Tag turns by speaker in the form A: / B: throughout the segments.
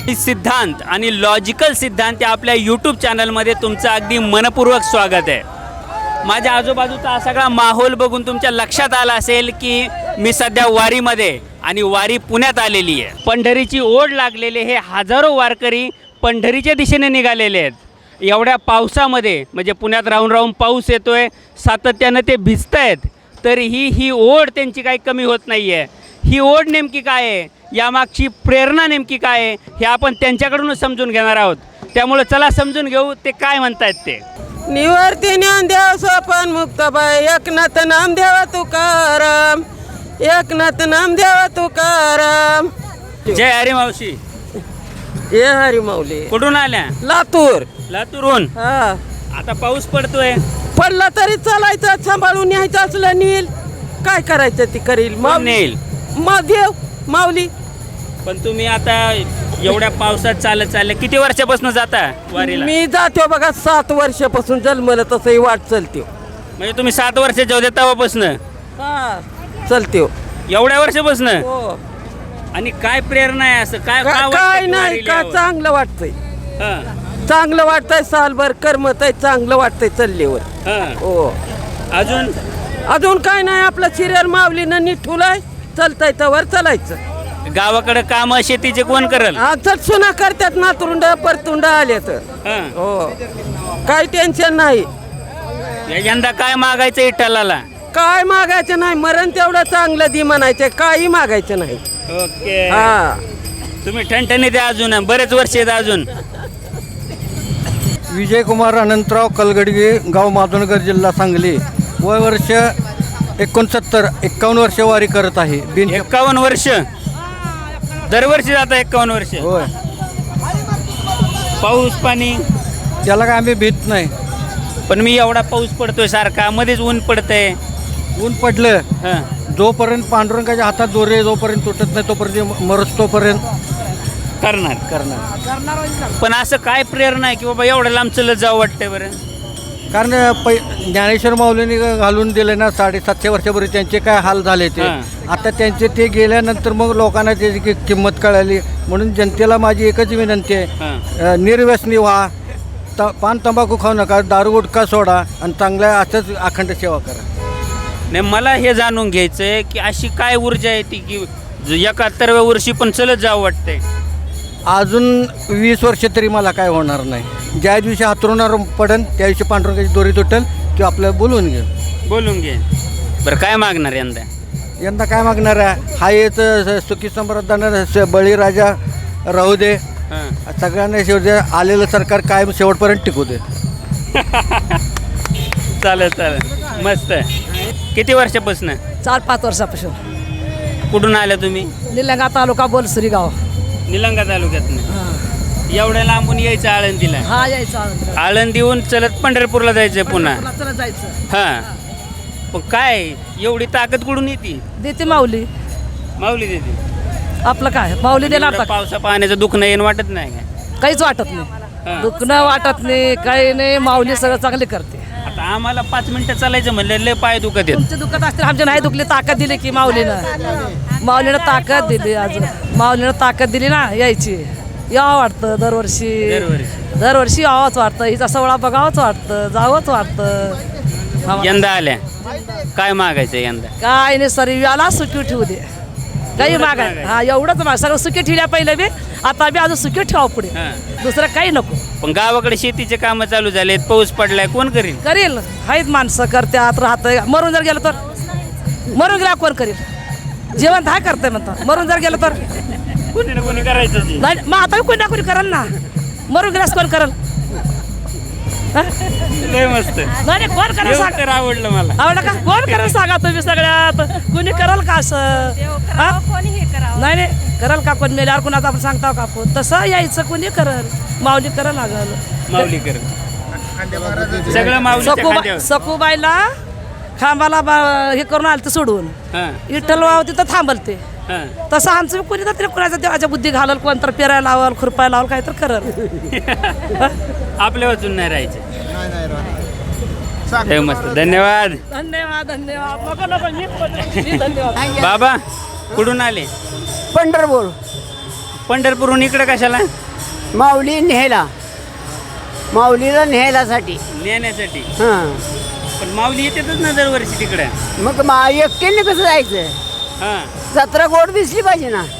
A: सिद्धांत आणि लॉजिकल सिद्धांत या आपल्या यूट्यूब चॅनलमध्ये तुमचं अगदी मनपूर्वक स्वागत आहे. माझ्या आजूबाजूचा हा सगळा माहोल बघून तुमच्या लक्षात आला असेल की मी सध्या वारीमध्ये आणि वारी पुण्यात आलेली आहे. पंढरीची ओढ लागलेले हे हजारो वारकरी पंढरीच्या दिशेने निघालेले आहेत. एवढ्या पावसामध्ये म्हणजे पुण्यात राहून राहून पाऊस येतोय, सातत्यानं ते भिजत आहेत, तरीही ही ओढ त्यांची काही कमी होत नाही आहे. ही ओढ नेमकी काय आहे, यामागची प्रेरणा नेमकी काय आहे, हे आपण त्यांच्याकडूनच समजून घेणार आहोत. त्यामुळे चला समजून घेऊ ते काय म्हणतायत ते.
B: निवर्ती ज्ञानदेव सोपान मुक्ताबाई एकनाथ नामदेव तुकाराम, एकनाथ नामदेव तुकाराम.
A: जय हरी मावशी.
B: हे हरी माऊली.
A: कुठून आल्या?
B: लातूर.
A: लातूरून.
B: हा,
A: आता पाऊस पडतोय,
B: पडला तरी चालायचं, सांभाळून न्यायचं असलं नील, काय करायचं ती करील
A: नेईल
B: देव माऊली.
A: पण तुम्ही आता एवढ्या पावसात चालत किती वर्षापासून जाता वारीला?
B: मी जातो बघा 7 वर्षापासून जन्मलं तसंही वाट चलते.
A: म्हणजे तुम्ही 7 वर्षाच्या होते तेव्हापासून?
B: हा, चलते
A: एवढ्या वर्षापासून.
B: हो.
A: आणि काय प्रेरणा आहे, असं काय
B: काय नाही, का चांगलं वाटतंय, चांगलं वाटतंय, सालभर करमत आहे, चांगलं वाटतंय चालल्यावर. हो.
A: अजून
B: अजून काय नाही, आपलं सिरियल माऊलीनं निठुलाय, चलताय तवर चालायचं.
A: गावाकडे काम शेतीचे कोण करल?
B: चल सुना करतात, नातरुंड परतुंड आले तर. हो, काही टेन्शन नाही.
A: यंदा काय मागायचं विठ्ठलाला?
B: काय मागायचं नाही, मरण तेवढं चांगलं दि म्हणायचं, काही मागायचं नाही.
A: ओके.
B: हा,
A: तुम्ही ठणठणीत आहे अजून, बरेच वर्ष आहेत अजून.
C: विजयकुमार अनंतराव कलगडगे, गाव माधवनगर, जिल्हा सांगली. वय वर्ष 51 वर्ष वारी करत आहे.
A: 51 वर्ष दरवर्षी जाता? 51 वर्ष.
C: होय.
A: पाऊस पाणी
C: त्याला काय आम्ही भीत नाही.
A: पण मी एवढा पाऊस पडतोय सारखा, मध्येच ऊन पडतंय.
C: ऊन पडलं जोपर्यंत पांडुरंगाच्या हातात दोरे जोपर्यंत तुटत नाही तोपर्यंत मरत तोपर्यंत करणार.
A: पण असं काय प्रेरणा आहे की बाबा एवढं लांब चलत जावं वाटतंय बरं?
C: कारण ज्ञानेश्वर माऊलींनी घालून दिले ना 750 वर्षापूर्वी त्यांचे काय हाल झाले ते. आता त्यांचे ते गेल्यानंतर मग लोकांना त्याची किंमत कळाली. म्हणून जनतेला माझी एकच विनंती आहे, निर्व्यसनी व्हा, पान तंबाखू खाऊ नका, दारू गुटखा सोडा आणि चांगल्या असंच अखंड सेवा करा.
A: नाही, मला हे जाणून घ्यायचं आहे की अशी काय ऊर्जा आहे ती की 71व्या वर्षी पण चलत जावं वाटतंय?
C: अजून 20 वर्ष तरी मला काय होणार नाही. ज्या दिवशी हातरुणार पडन त्या दिवशी पांडुरंगाची दोरी तुटेल, तो आपल्याला बोलून घे. बरं, काय मागणार यंदा काय मागणार आहे? हा येत सुखी समृद्धानं बळीराजा राहू दे, सगळ्यांना शेवट आलेलं सरकार कायम शेवटपर्यंत टिकू दे.
A: चालेल, मस्त. किती वर्षापासून?
D: 4-5 वर्षापासून.
A: कुठून आल्या तुम्ही?
D: निलंगा तालुका बोलसरी गाव.
A: निलंगा तालुक्यातनं. एवढ्या लांबून यायचं आळंदीला?
D: हा, यायचं
A: आळंदीहून चलत पंढरपूरला जायचं पुन्हा?
D: चला जायचं.
A: हां, पण काय एवढी ताकद कुठून येते?
D: देते माऊली.
A: माऊली देते.
D: आपलं काय माऊली देणार
A: एवढं पावसा पाण्याचं दुःख नाही वाटत नाही का?
D: काहीच वाटत नाही, दुखणं वाटत नाही, काही नाही. माऊली सगळं चांगले करते.
A: आता आम्हाला 5 मिनिटं चालायचं म्हणलं लय पाय दुखत आहेत.
D: तुमचे दुखत असतील, आमचे नाही दुखले. ताकद दिली की माऊलीनं ताकद दिली. अजून माऊलीनं ताकद दिली ना, यायची. यावं वाटतं दरवर्षी यावंच वाटतं. हिचा सोहळा बघावंच वाटतं, जावंच वाटतं.
A: यंदा आल्या काय मागायचं यंदा?
D: काय नाही, सरी याला सुखी ठेवू दे, काही मागाय. हा, एवढंच माग. सगळं सुखी ठेवल्या पहिलं बी, आता बी अजून सुखी ठेवा पुढे, दुसरं काही नको.
A: पण गावाकडे शेतीचे कामं चालू झालेत, पाऊस पडलाय, कोण करील?
D: आहेत माणसं, करतात, राहतं. मरून जर गेलं तर, मरून गेला कोण करील? जेवण हा करतंय म्हणतात, मरून जर गेलं तर
A: कोणी ना कोणी करायचं.
D: नाही, मग आता कोणी ना कोणी करल ना. मरून गेल्यास कोण करल?
A: लय मस्त.
D: नाही, कोण करेल सांग.
A: तर आवडलं मला.
D: आवडलं का? कोण करेल सांगा तुम्ही सगळ्यात? कुणी करल का असं? नाही, करल का? कोण मेल्यावर कुणाचं आपण सांगता का आपण? तसं यायचं, कोणी करल? माऊली करल लागल.
A: माऊली करल सगळं. माऊली
D: सखूबाईला खांबाला हे करून आलं तर सोडून विठ्ठल तिथं थांबलते. तसं आमचं कोणी तर कुणाच्या देवाच्या बुद्धी घालल, कोण तर पेरायला लावल, खुरपायला लावल, काय तर करल.
A: आपल्या वाचून नाही राहायचं. मस्त. धन्यवाद.
D: धन्यवाद.
A: बाबा कुठून आले?
B: पंढरपूर.
A: पंढरपूरहून इकडे कशाला?
B: माऊली न्यायला, माऊलीला न्यायलासाठी.
A: नेण्यासाठी.
B: हां
A: पण माऊली येतातच ना दरवर्षी तिकडे.
B: मग एकट्याने कसं जायचं?
A: हां.
B: जत्रा गोड दिसली पाहिजे ना.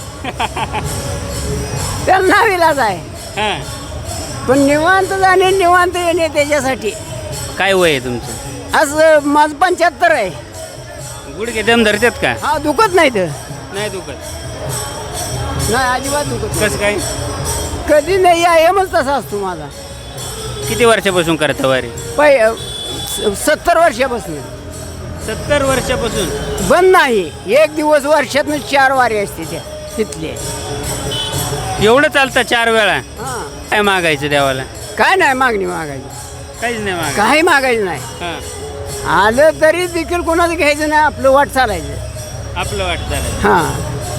B: त्याला नावीलाच आहे.
A: हां.
B: पण निवांत जाणे निवांत येणे त्याच्यासाठी.
A: काय वय आहे तुमचं?
B: असं माझं 75 आहे.
A: गुडघे दम धरतात का?
B: हा दुखत नाही तर.
A: नाही दुखत.
B: नाही अजिबात दुखत.
A: कसं काय?
B: कधी नाही यायमच तसा असतो माझा.
A: किती वर्षापासून करता वारी?
B: 70 वर्षापासून.
A: 70 वर्षापासून
B: बंद नाही. एक दिवस वर्षातून 4 वारी असते त्या तिथले.
A: एवढं चालतं 4 वेळा?
B: हां.
A: काय मागायचं देवाला?
B: काय नाही मागणी मागायची.
A: काहीच नाही मागायचं.
B: काही मागायचं नाही.
A: हां.
B: आलं तरी देखील कोणाचं घ्यायचं नाही. आपलं वाट चालायचं.
A: आपलं वाटतं.
B: हां.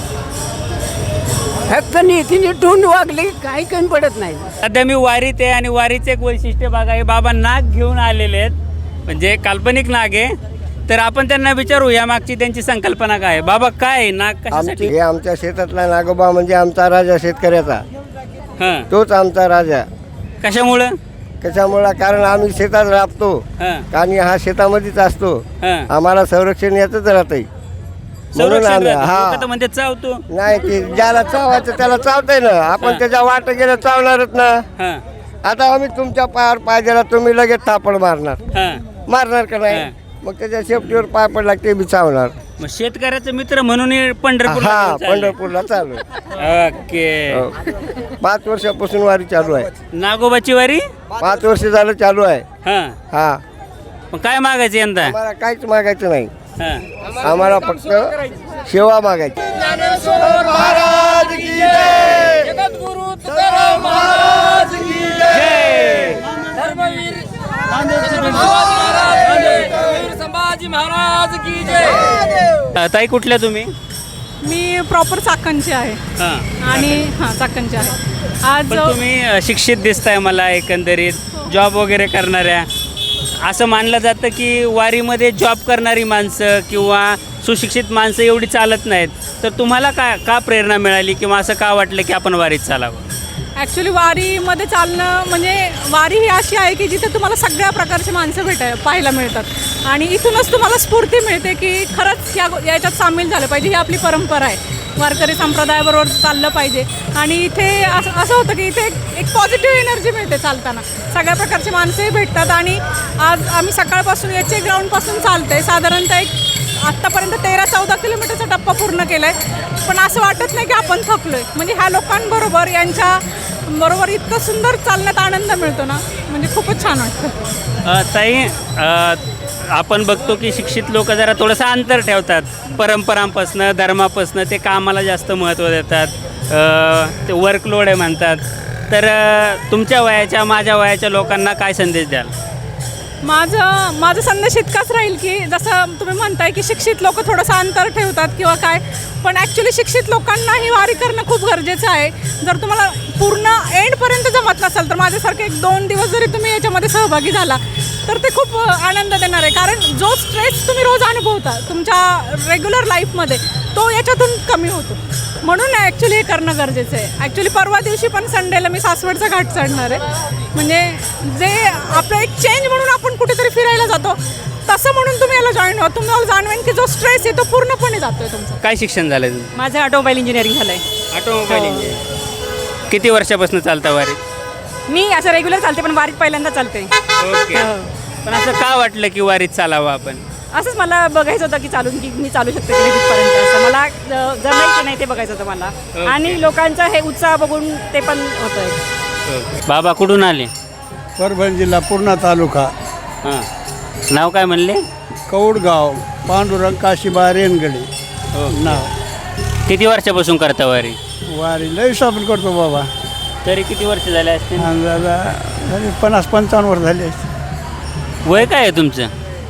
B: फक्त नीतीने टून वागले की काही कमी पडत नाही.
A: सध्या मी वारीत आहे आणि वारीचे एक वैशिष्ट्य बघा, हे बाबा नाग घेऊन आलेले आहेत, म्हणजे काल्पनिक नाग आहे. तर आपण त्यांना विचारू या मागची त्यांची संकल्पना काय आहे. बाबा काय आहे नाग कशासाठी?
E: हे आमच्या शेतातला नागोबा म्हणजे आमचा राजा शेतकऱ्याचा.
A: हां.
E: तोच आमचा राजा.
A: कशामुळं?
E: कशामुळे? कारण आम्ही शेतात राबतो
A: हां.
E: आणि हा शेतामध्येच असतो.
A: हां.
E: आम्हाला संरक्षण याचंच राहतंय. म्हणून
A: संरक्षण
E: आम्ही
A: राहतं.
E: हा
A: लोकं तर म्हणतात चावतो.
E: नाही ते ज्याला चावायचं त्याला चावतंय ना. आपण
A: हां.
E: त्याच्या वाट गेलं चावणारच ना.
A: हां.
E: आता आम्ही तुमच्या पायावर पाय दिला तुम्ही लगेच थापड मारणार.
A: हां.
E: मारणार का नाही?
A: हां.
E: मग त्याच्या शेपटीवर पाय पडला ते बी चावणार.
A: मग शेतकऱ्याचा मित्र म्हणून हे पंढरपूरला
E: हा
A: घेऊन चालले.
E: पंढरपूरला चालू
A: ओके.
E: हो. 5 वर्षापासून वारी चालू आहे.
A: नागोबाची वारी?
E: 5 वर्ष झालं चालू आहे.
A: हां.
E: हा
A: मग काय मागायचं यंदा?
E: आम्हाला काहीच मागायचं नाही.
A: हां.
E: आम्हाला फक्त सेवा मागायची.
A: ताई कुठल्या तुम्ही?
F: मी प्रॉपर चाकणची आहे
A: हां.
F: आणि हां चाकणची आहे. आज
A: पण तुम्ही शिक्षित दिसताय मला एकंदरीत, जॉब वगैरे करणाऱ्या. असं मानलं जातं की वारीमध्ये जॉब करणारी माणसं किंवा सुशिक्षित माणसं एवढी चालत नाहीत. तर तुम्हाला का प्रेरणा मिळाली किंवा असं का वाटलं की आपण वारीत चालावं?
F: ॲक्च्युली वारीमध्ये चालणं म्हणजे वारी ही अशी आहे की जिथे तुम्हाला सगळ्या प्रकारची माणसं पाहायला मिळतात आणि इथूनच तुम्हाला स्फूर्ती मिळते की खरंच याच्यात सामील झालं पाहिजे. ही आपली परंपरा आहे. वारकरी संप्रदायाबरोबर चाललं पाहिजे आणि इथे असं होतं की इथे एक पॉझिटिव्ह एनर्जी मिळते चालताना. सगळ्या प्रकारची माणसंही भेटतात आणि आज आम्ही सकाळपासून याचे ग्राउंडपासून चालते साधारणतः एक आत्तापर्यंत 13-14 किलोमीटरचा टप्पा पूर्ण केला आहे. पण असं वाटत नाही की आपण थकलो आहे. म्हणजे ह्या लोकांबरोबर यांच्याबरोबर इतकं सुंदर चालण्यात आनंद मिळतो ना, म्हणजे खूपच छान वाटतं.
A: ताई आपण बघतो की शिक्षित लोक जरा थोडंसं अंतर ठेवतात परंपरांपासनं, धर्मापासनं. ते कामाला जास्त महत्त्व देतात. ते वर्कलोड आहे म्हणतात. तर तुमच्या वयाच्या माझ्या वयाच्या लोकांना काय संदेश द्याल?
F: माझा संदेश इतकाच राहील की जसं तुम्ही म्हणताय की शिक्षित लोक थोडंसं अंतर ठेवतात किंवा काय, पण ॲक्च्युली शिक्षित लोकांनाही वारी करणं खूप गरजेचं आहे. जर तुम्हाला पूर्ण एंडपर्यंत जमत नसेल तर माझ्यासारखे 1-2 दिवस जरी तुम्ही याच्यामध्ये सहभागी झाला तर ते खूप आनंद देणार आहे. कारण जो स्ट्रेस तुम्ही रोज अनुभवता तुमच्या रेग्युलर लाईफमध्ये तो याच्यातून कमी होतो. म्हणून ॲक्च्युली हे करणं गरजेचं आहे. ॲक्च्युली परवा दिवशी पण संडेला मी सासवडचा घाट चढणार आहे. म्हणजे जे आपलं एक चेंज म्हणून आपण कुठेतरी फिरायला जातो तसं म्हणून तुम्ही याला जॉईन व्हा. तुम्हाला जाणवेन की जो स्ट्रेस आहे तो पूर्णपणे जातो आहे तुमचा.
A: काय शिक्षण झालं तुमचं?
F: माझं ऑटोमोबाईल इंजिनिअरिंग झालं आहे.
A: Automobile engineering. किती वर्षापासून चालता वारीत?
F: मी असं रेग्युलर चालते पण वारीत पहिल्यांदा चालते.
A: ओके. पण असं का वाटलं की वारीत चालावं आपण?
F: असंच मला बघायचं होतं की चालून की मी चालू शकते की तिथपर्यंत असं मला जमायचं की नाही ते बघायचं होतं मला. आणि लोकांचा हे उत्साह बघून ते पण होतं.
A: बाबा कुठून आले?
G: परभणी जिल्हा पूर्णा तालुका.
A: हां. नाव काय म्हणले?
G: कौडगाव, पांडुरंग काशीबा रेनगडे नाव.
A: किती वर्षापासून करता वारी?
G: वारी लय आपण करतो बाबा.
A: तरी किती वर्ष झाले असतील?
G: अंदाजा झाले 50-55 वर्ष झाले असते.
A: वय काय आहे तुमचं?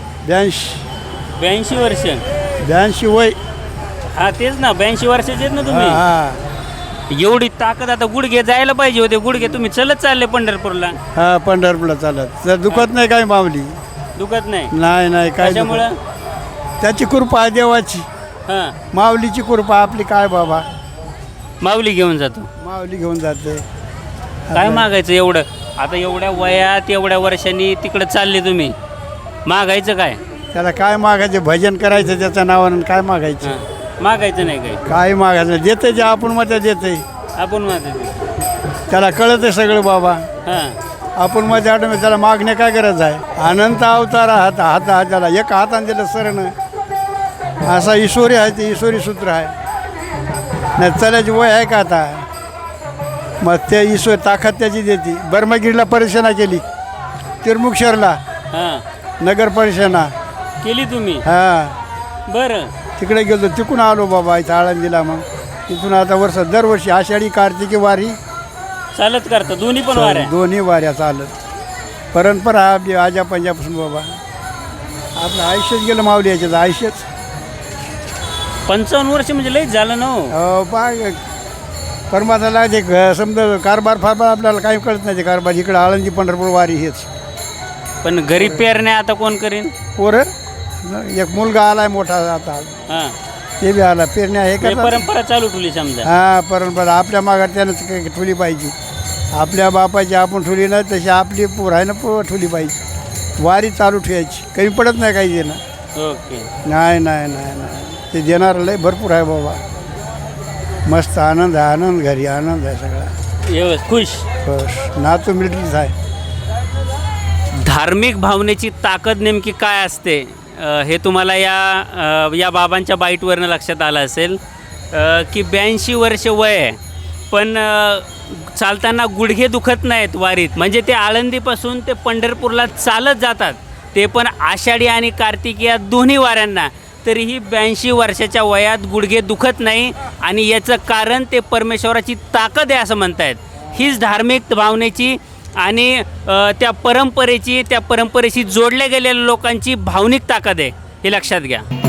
G: 82
A: वर्ष.
G: 82 वय.
A: हा तेच ना, 82 वर्षाचे आहेत ना तुम्ही.
G: हा
A: एवढी ताकद. आता गुडघे जायला पाहिजे होते. गुडघे तुम्ही चलत चालले पंढरपूरला.
G: हा पंढरपूरला चालत तर दुखत नाही काय माऊली.
A: दुखत नाही?
G: नाही काय
A: त्याच्यामुळं
G: त्याची कृपा आहे देवाची.
A: हां.
G: माऊलीची कृपा आपली काय बाबा.
A: माऊली घेऊन जातो.
G: माऊली घेऊन जाते.
A: काय मागायचं एवढं? आता एवढ्या वयात एवढ्या वर्षांनी तिकडे चालले तुम्ही, मागायचं काय?
G: त्याला काय मागायचे? भजन करायचं त्याच्या नावानं. काय मागायचं?
A: मागायचं नाही काय?
G: काय मागायचं? देते जे आपण मध्ये देते.
A: आपण मागायचं.
G: त्याला कळत आहे सगळं बाबा.
A: हां
G: आपण मध्ये आठवण त्याला मागणे काय गरज आहे? अनंत अवतार हात त्याला एक हाताने दिलं सरण. असा ईश्वरी आहे, ते ईश्वरी सूत्र आहे. नाही चलायची वय आहे का आता? मग त्या ईश्वर ताकद त्याची देते. बर्मागिरीला परिक्षणा केली, तिरमुक्षरला
A: हां
G: नगर परिक्षणा
A: केली तुम्ही?
G: हां
A: बरं.
G: तिकडे गेलो, तिकडून आलो बाबा इथं आळंदीला. मग तिथून आता दरवर्षी आषाढी कार्तिकी वारी
A: चालत करता दोन्ही पण वाऱ्या?
G: दोन्ही वाऱ्या चालत. परंपरा आपली आजा पंजापासून बाबा. आपलं आयुष्यच गेलं माऊली याच्यात, आयुष्यच.
A: 55 वर्ष म्हणजे लईच झालं ना हो.
G: पाय परमात्याला ते समजा कारभार फारभार आपल्याला काही कळत नाही. ते कारभार इकडं आळंदी पंढरपूर वारी हेच.
A: पण घरी पेरण्या आता कोण करीन?
G: पोरं एक मुलगा आलाय मोठा आता,
A: हां
G: ते बी आला. पेरण्या हे
A: म्हणजे
G: करतात.
A: परंपरा चालू ठेवली समजा.
G: हां परंपरा आपल्या मागात त्यानं ठुली पाहिजे. आपल्या बापाची आपण ठुली नाही तशी आपली पोर आहे ना ठुली पाहिजे. वारी चालू ठेवायची, कमी पडत नाही काही देणं.
A: ओके.
G: नाही नाही नाही नाही ते देणारं लय भरपूर आहे बाबा. मस्त आनंद आहे, आनंद घरी आनंद आहे सगळा.
A: व्यवस्थित खुश.
G: बस नातू मिलिटरीच आहे.
A: धार्मिक भावनेची ताकद नेमकी काय असते हे तुम्हाला या बाबांच्या बाईटवरनं लक्षात आलं असेल की 82 वर्ष वय आहे, पण चालताना गुडघे दुखत नाहीत वारीत. म्हणजे ते आळंदीपासून ते पंढरपूरला चालत जातात, ते पण आषाढी आणि कार्तिकी या दोन्ही वाऱ्यांना. तरीही 82 वर्षाच्या वयात गुडघे दुखत नाही, आणि याचं कारण ते परमेश्वराची ताकद आहे असं म्हणतायत. हीच धार्मिक भावनेची आणि त्या परंपरेची, त्या परंपरेशी जोडल्या गेलेल्या लोकांची भावनिक ताकद आहे, हे लक्षात घ्या.